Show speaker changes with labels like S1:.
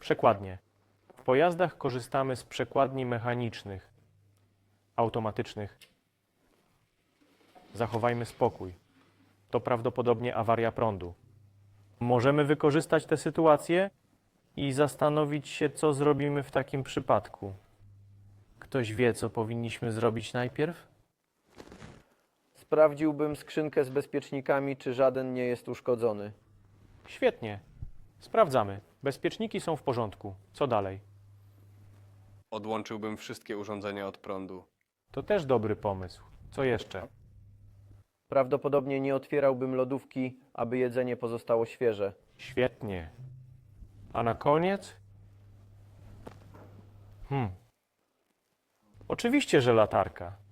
S1: Przekładnie. W pojazdach korzystamy z przekładni mechanicznych, automatycznych. Zachowajmy spokój. To prawdopodobnie awaria prądu. Możemy wykorzystać tę sytuację i zastanowić się, co zrobimy w takim przypadku. Ktoś wie, co powinniśmy zrobić najpierw?
S2: Sprawdziłbym skrzynkę z bezpiecznikami, czy żaden nie jest uszkodzony.
S1: Świetnie. Sprawdzamy. Bezpieczniki są w porządku. Co dalej?
S3: Odłączyłbym wszystkie urządzenia od prądu.
S1: To też dobry pomysł. Co jeszcze?
S2: Prawdopodobnie nie otwierałbym lodówki, aby jedzenie pozostało świeże.
S1: Świetnie. A na koniec? Oczywiście, że latarka.